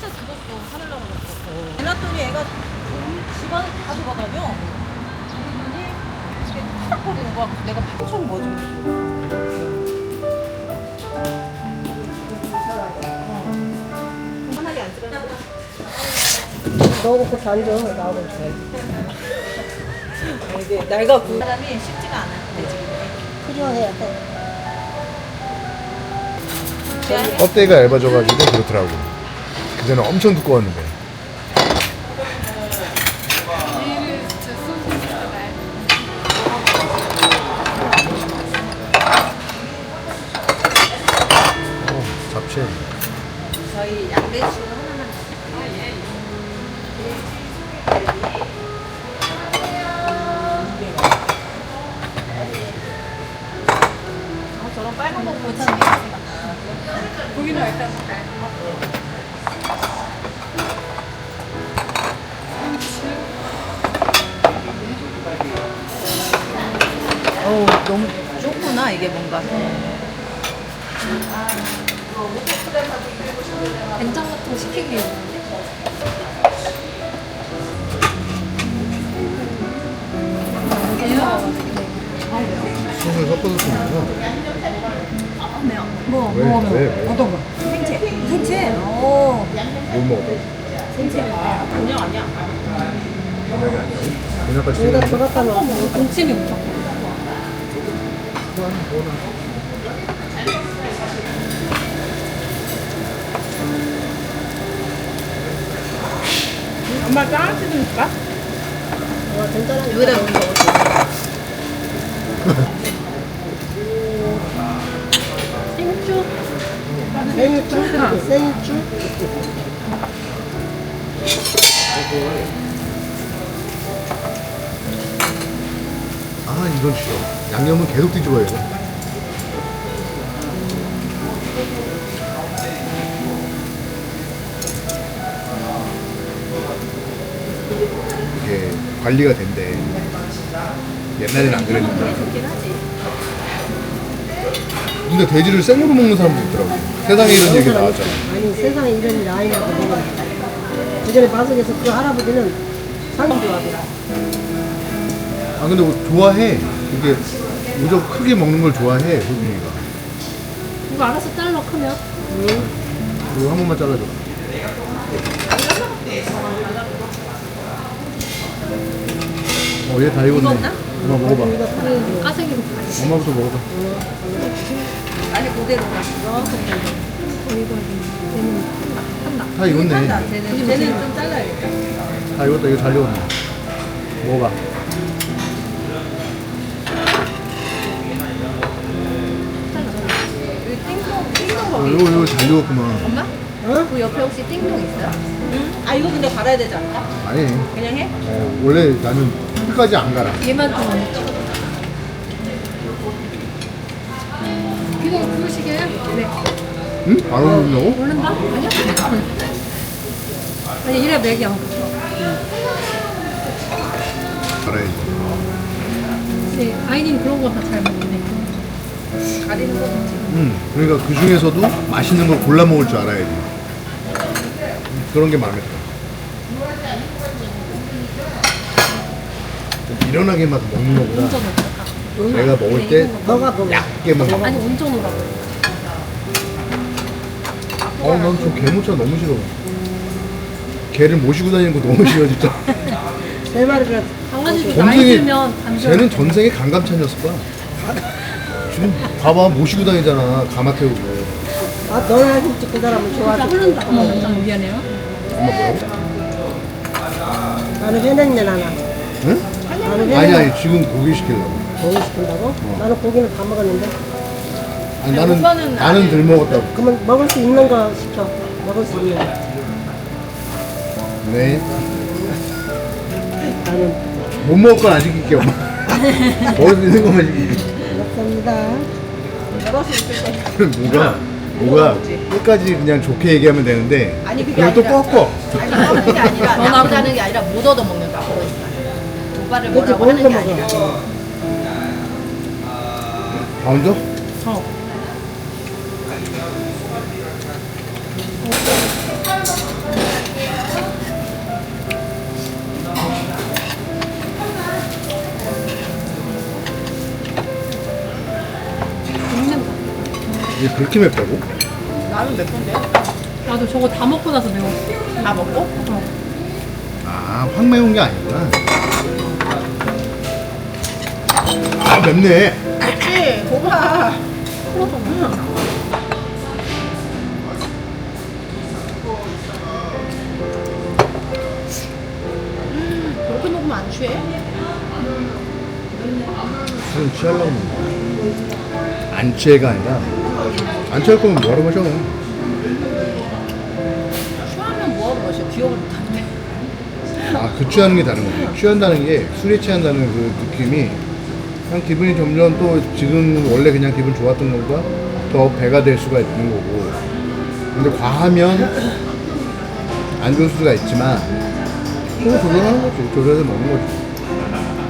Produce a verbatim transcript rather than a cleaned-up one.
진짜 죽었어. 하늘 날아갔어. 해놨더니 애가 집안을 다 돌아다녀. 그러더니 이렇게 탁 거리고 막 내가 방청 뭐지? 편하게 앉으라고. 너무 그렇게 앉아. 나오고 잘. 이게 날가 그 사람이 쉽지가 않아. 내 지금. 필요해야 돼. 껍데기가 얇아져가지고 그렇더라고. 그전에 엄청 두꺼웠는데. 어, 잡채. 저희 양배추 하나만. 아, 예. 아, 저런 빨간 거 보면 참 고기는 일단 어우, 너무 좁구나, 이게 뭔가. 된장 같은 거 시킨 게 있는데? 소금을 섞어서 쓰는구나. 뭐, 왜? 뭐, 왜? 왜? 어떤 거? 생채. 생채? 오. 뭘 먹어? 생채. 그냥 아니야. 그냥이 아니야. 그냥까지 여기다 쓰는 거? 들어갔다 놓고. 동치미 엄청. 엄마 짱아찌 좀 줄까? 와, 된장은 여기다 넣는 거 어때? 생주. 생일주? 생일주? 아, 이건 싫어. 양념은 계속 뒤집어야 돼. 이게 관리가 된대. 옛날에는 안 그랬는데. 좋긴 하지. 근데 돼지를 생으로 먹는 사람도 있더라고. 세상에 이런 얘기 나왔잖아. 아니, 세상에 이런 일이 아니라고 내가. 그전에 방송에서 그 할아버지는 상품 좋아하더라. 아, 근데 뭐 좋아해. 이게 무조건 크게 먹는 걸 좋아해, 호준이가. 이거 알아서 잘라 크면. 이거 한 번만 잘라줘. 어, 얘 다 익었네. 익었나? 엄마 먹어봐. 까생이로 엄마부터 먹어봐. 아니 그대로가. 한다. 다 익었네. 한다. 쟤는 쟤는 좀 잘라야겠다. 다 익었다. 이거 잘 익었네. 먹어봐. 여기 띵동 띵동 어, 거기. 이거, 이거 잘 익었구만. 엄마? 어? 그 옆에 혹시 띵동 있어요? 응. 아 이거 근데 갈아야 되지 않나? 아니, 그냥 해? 어, 원래 나는 끝까지 안 갈아. 얘만 좀 먹자. 이거 부으시게요? 네. 응? 바로 먹는다고? 모른다? 아니야? 아니 이래 맥이야. 갈아야지. 네, 아이린 그런 거 다 잘 먹네. 가리는 거 좋지. 응. 그러니까 그 중에서도 맛있는 걸 골라 먹을 줄 알아야지. 그런 게 마음에 들어. 좀 미련하게만 먹는 거보다 온전 오라. 내가 먹을 때 너가 먹어. 얇게 먹어. 아니 온전 오라고. 어, 난 저 개모차 너무 싫어. 개를 모시고 다니는 거 너무 싫어, 진짜. 내 말을 강아지도 나이 전생에, 들면 감정. 쟤는 전생에 강감찬이었을 거야. 지금 봐봐, 모시고 다니잖아, 가마 태우고. 아, 너나 진짜 그 사람을 진짜 좋아하지. 흐른다. 어머 원장 미안해요. 엄마 뭐라고? 나는 회냉면 하나. 응? 나는 아니, 회냉면 아니, 지금 고기 시키려고. 고기 시킨다고? 나는 고기는 다 먹었는데. 아니, 나는, 오빠는 나는 아니- 덜 먹었다고. 그러면 먹을 수 있는 거 시켜. 먹을 수 있는 거. 네. 나는 못 먹을 건 안 시킬게, 엄마. 먹을 수 있는 것만 시킬게. 고맙습니다. 여럿이 있을 때. 뭐가, 뭐가, 끝까지 그냥 좋게 얘기하면 되는데. 아니, 그게 그걸 또 아니라- 꺾어. 아니 그런 게 아니라 나쁘다는 게 아니라 못 얻어 먹는다. 그거 있어. 오빠를 그렇지, 뭐라고 먹는 하는 게 거 아니라. 먹어. 다 얹어? 어. 이게 그렇게 맵다고? 나는 몇 건데? 나도 저거 다 먹고 나서 매워. 다 먹고? 어. 아, 확 매운 게 아니구나. 아, 맵네. 그치? 고봐. 음, 그렇게 먹으면 안 취해? 술은 취하려고 먹는 거야. 안 취해가 아니라, 안 취할 거면 뭐하러 마셔? 취하면 뭐하고 마셔? 기억을 못하는데. 아, 그 취하는 게 다른 거지. 취한다는 게, 술에 취한다는 그 느낌이, 그냥 기분이 점점 또 지금 원래 그냥 기분 좋았던 것보다 더 배가 될 수가 있는 거고. 근데 과하면 안 좋을 수가 있지만, 또 조절하는 거지. 조절해서 먹는 거지.